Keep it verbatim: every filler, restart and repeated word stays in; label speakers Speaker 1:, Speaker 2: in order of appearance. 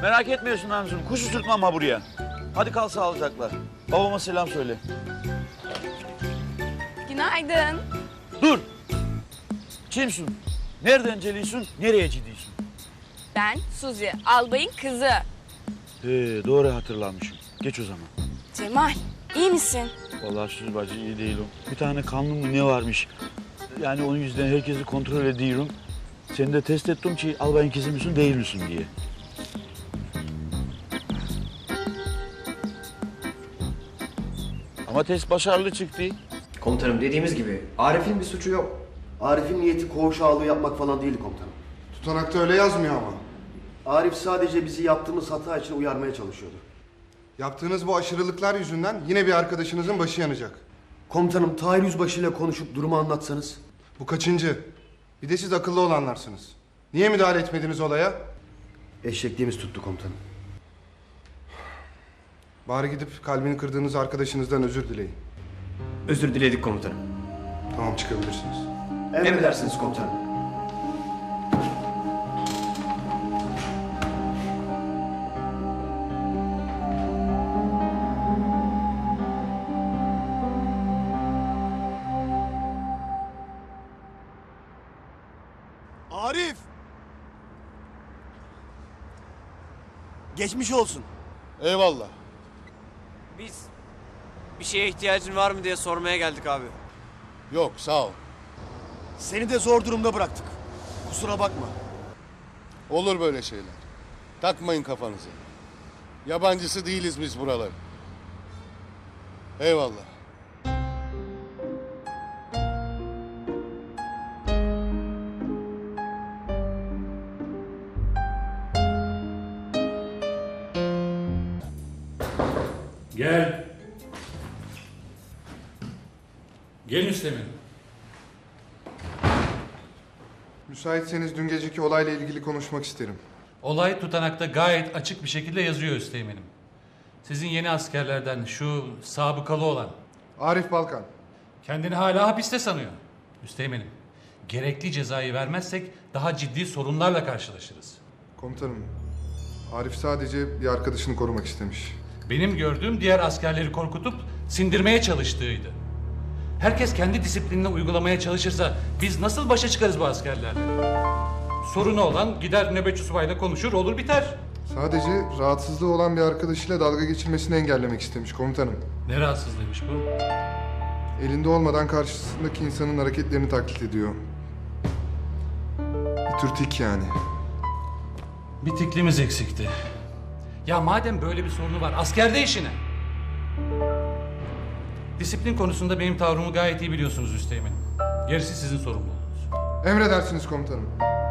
Speaker 1: Merak etmiyorsun Hamsun. Kuş uçurtmam ha buraya. Hadi kal sağlıcakla. Babama selam söyle.
Speaker 2: Günaydın.
Speaker 1: Dur. Kimsin? Nereden geliyorsun? Nereye gidiyorsun?
Speaker 2: Ben Suzi, albayın kızı.
Speaker 1: He, doğru hatırlamışım. Geç o zaman.
Speaker 2: Cemal, iyi misin?
Speaker 1: Vallahi Suzi bacı iyi değilim. Bir tane kanlı mı ne varmış? Yani onun yüzden herkesi kontrol ediyorum. Seni de test ettim ki albayın kızı mısın değil misin diye. Ama test başarılı çıktı.
Speaker 3: Komutanım dediğimiz gibi Arif'in bir suçu yok.
Speaker 4: Arif'in niyeti koğuş ağalığı yapmak falan değil komutanım.
Speaker 5: Tutanakta öyle yazmıyor ama.
Speaker 4: Arif sadece bizi yaptığımız hata için uyarmaya çalışıyordu.
Speaker 5: Yaptığınız bu aşırılıklar yüzünden yine bir arkadaşınızın başı yanacak.
Speaker 4: Komutanım Tahir Yüzbaşı ile konuşup durumu anlatsanız.
Speaker 5: Bu kaçıncı? Bir de siz akıllı olanlarsınız. Niye müdahale etmediniz olaya?
Speaker 4: Eşekliğimiz tuttu komutanım.
Speaker 5: Bari gidip kalbini kırdığınız arkadaşınızdan özür dileyin.
Speaker 3: Özür diledik komutanım.
Speaker 5: Tamam, çıkabilirsiniz.
Speaker 4: Emredersiniz komutanım.
Speaker 6: Arif! Geçmiş olsun.
Speaker 7: Eyvallah.
Speaker 8: Biz bir şeye ihtiyacın var mı diye sormaya geldik abi.
Speaker 7: Yok, sağ ol.
Speaker 6: Seni de zor durumda bıraktık. Kusura bakma.
Speaker 7: Olur böyle şeyler. Takmayın kafanızı. Yabancısı değiliz biz buraların. Eyvallah.
Speaker 9: Gel. Gel Müslüman.
Speaker 5: Müsaitseniz dün geceki olayla ilgili konuşmak isterim.
Speaker 9: Olay tutanakta gayet açık bir şekilde yazıyor Üsteğmen'im. Sizin yeni askerlerden şu sabıkalı olan
Speaker 5: Arif Balkan.
Speaker 9: kendini hala hapiste sanıyor. Üsteğmen'im, gerekli cezayı vermezsek daha ciddi sorunlarla karşılaşırız.
Speaker 5: Komutanım, Arif sadece bir arkadaşını korumak istemiş.
Speaker 9: Benim gördüğüm diğer askerleri korkutup sindirmeye çalıştığıydı. Herkes kendi disiplinini uygulamaya çalışırsa biz nasıl başa çıkarız bu askerlerle? Sorunu olan gider nöbetçi subayla konuşur, olur biter.
Speaker 5: Sadece rahatsızlığı olan bir arkadaşıyla dalga geçirmesini engellemek istemiş komutanım.
Speaker 9: Ne rahatsızlığıymış bu?
Speaker 5: Elinde olmadan karşısındaki insanın hareketlerini taklit ediyor. Bir tür tik yani.
Speaker 9: Bir tiklimiz eksikti. Ya madem böyle bir sorunu var, askerde işine. Disiplin konusunda benim tavrımı gayet iyi biliyorsunuz Üsteğmen'im. Gerisi sizin sorumluluğunuz.
Speaker 5: Emredersiniz komutanım.